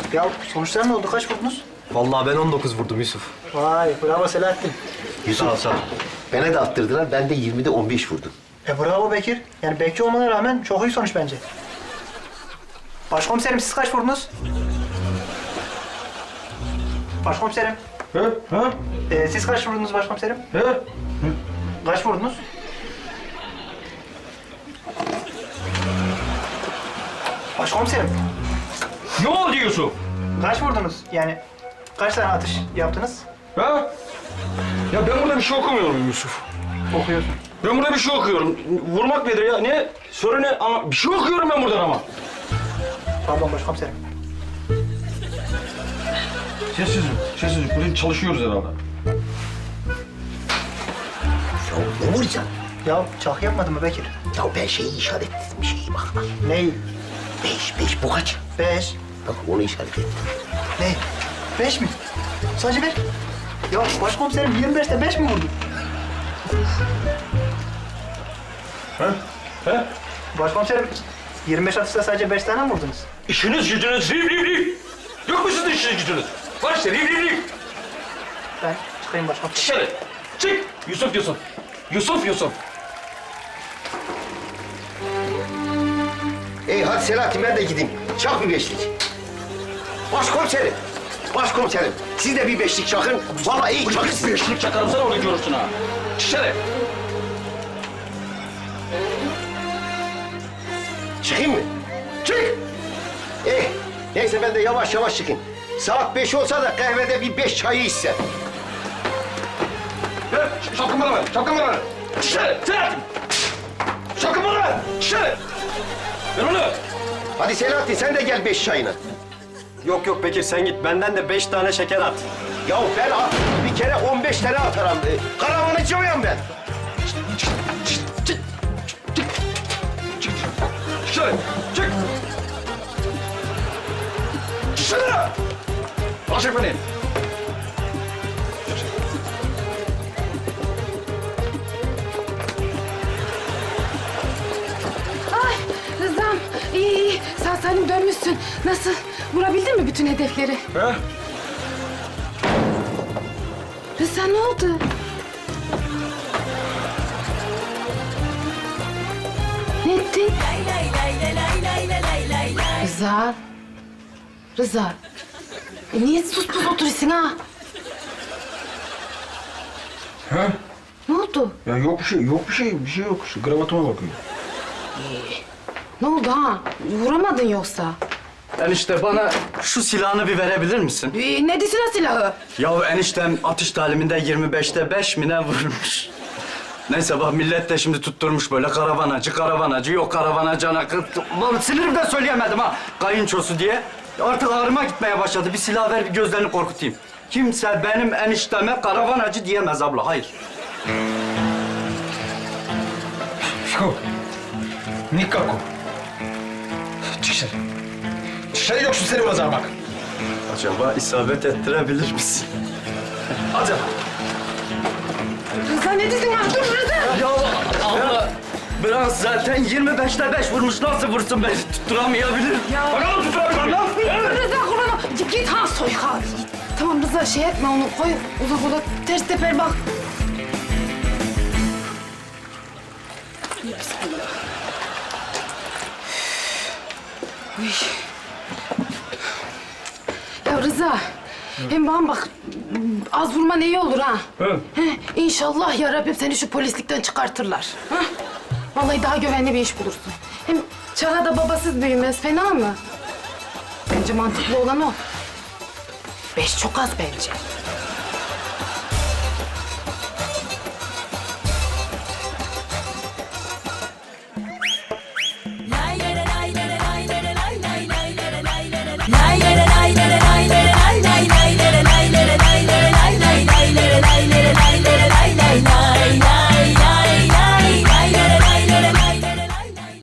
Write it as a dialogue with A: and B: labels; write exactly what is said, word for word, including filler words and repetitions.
A: Ya sonuçlar ne oldu? Kaç vurdunuz?
B: Vallahi ben on dokuz vurdum Yusuf.
A: Vay bravo Selahattin.
B: Sağ ol, sağ ol.
C: Bana da attırdılar. Ben de yirmide on beş vurdum.
A: E bravo Bekir. Yani bekçi olmana rağmen çok iyi sonuç bence. Başkomiserim siz kaç vurdunuz? Başkomiserim.
D: He? Ha?
A: E, siz kaç vurdunuz başkomiserim?
D: He?
A: Kaç vurdunuz? Başkomiserim.
D: Ne oldu Yusuf?
A: Kaç vurdunuz? Yani kaç tane atış yaptınız?
D: Ha? Ya ben burada bir şey okumuyorum Yusuf.
A: Okuyorsun.
D: Ben burada bir şey okuyorum. Vurmak nedir ya? Ne? Soru ne? Ama bir şey okuyorum ben buradan ama.
A: Pardon başkomiserim.
D: Sessizlik, sessizlik. Burada çalışıyoruz herhalde.
C: Ya ne vuracaksın?
A: Ya çak yapmadın mı Bekir?
C: Ya ben şeyi işaretledim. Şeyi bak. bak.
A: Neyi?
C: Beş, beş bu kaç?
A: Beş.
C: Bak onu işaret ettim.
A: Ne? Beş mi? Sadece beş. Ya başkomiserim yirmi beşte beş mi vurdu?
D: He? He?
A: Başkomiserim yirmi beş atışta sadece beş tane mi vurdunuz?
D: İşiniz gücünüz riv riv riv. Yok mu sizin işiniz gücünüz? Var işte riv riv riv.
A: Ben çıkayım başkomiserim.
D: Dışarı. Çık. Yusuf Yusuf. Yusuf Yusuf.
C: Ey hadi Selahattin ben de gideyim. Çak bir beşlik. Başkomiserim. Başkomiserim. Siz de bir beşlik çakın. Vallahi iyi çakın.
D: Bir beşlik çakarım sana orada görürsün ha. Dışarı.
C: Çıkayım mı? Çık! Eh, neyse ben de yavaş yavaş çıkayım. Saat beş olsa da kahvede bir beş çayı içsem.
D: Ver, şapkamı bana ver, şapkamı bana ver. Dışarı, Selahattin! Şapkamı bana ver, dışarı! Ver onu!
C: Hadi Selahattin sen de gel beş çayına.
B: Yok yok Bekir sen git. Benden de beş tane şeker at.
C: Ya ben at, bir kere on beş tane atarım. Ee, Karavanıcıyım ben.
D: Dışarı, çık! Dışarı! Başak beni!
E: Ay Rıza'm iyi iyi sağ salim dönmüşsün. Nasıl? Vurabildin mi bütün hedefleri?
D: He?
E: Rıza ne oldu? Ne ettin? Rıza. Rıza. E niye sus pus oturuyorsun ha?
D: He?
E: Ne oldu?
D: Ya yok bir şey, yok bir şey, bir şey yok. Şu gravatıma bakıyorum.
E: Ne oldu ha? Vuramadın yoksa?
B: Enişte bana şu silahını bir verebilir misin?
E: Ee, ne desin o silahı?
B: Ya eniştem atış taliminde yirmi beşte beş mi ne vurmuş? Neyse bak millet de şimdi tutturmuş böyle karavanacı, karavanacı, yok karavanacı ana kız. Lan sinirimden söyleyemedim ha, kayınçosu diye. Artık ağrıma gitmeye başladı. Bir silah ver, bir gözlerini korkutayım. Kimse benim enişteme karavanacı diyemez abla, hayır.
D: Yok. Nikako. Çık dışarı. Dışarı yoksun seni pazar bak.
B: Acaba isabet ettirebilir misin?
D: Hadi.
E: Rıza ne dedin ha? Dur Rıza!
B: Ya abla, biraz zaten yirmi beşte beş vurmuş, nasıl vursun beni tutturamayabilir.
E: Ya.
D: Bana mı tutturabilirim?
E: Rıza kurban ol. Git, git ha soy ha. Tamam Rıza şey etme onu koy. Uzak uzak ters teper bak. Bismillah. Uy. Ya Rıza. Hem bana bak az vurman iyi olur ha.
D: Hı.
E: He, İnşallah ya Rabbim seni şu polislikten çıkartırlar. Ha? Vallahi daha güvenli bir iş bulursun. Hem Çağla da babasız büyümez fena mı? Bence mantıklı olan o. Beş çok az bence.
F: Lay lay lay lay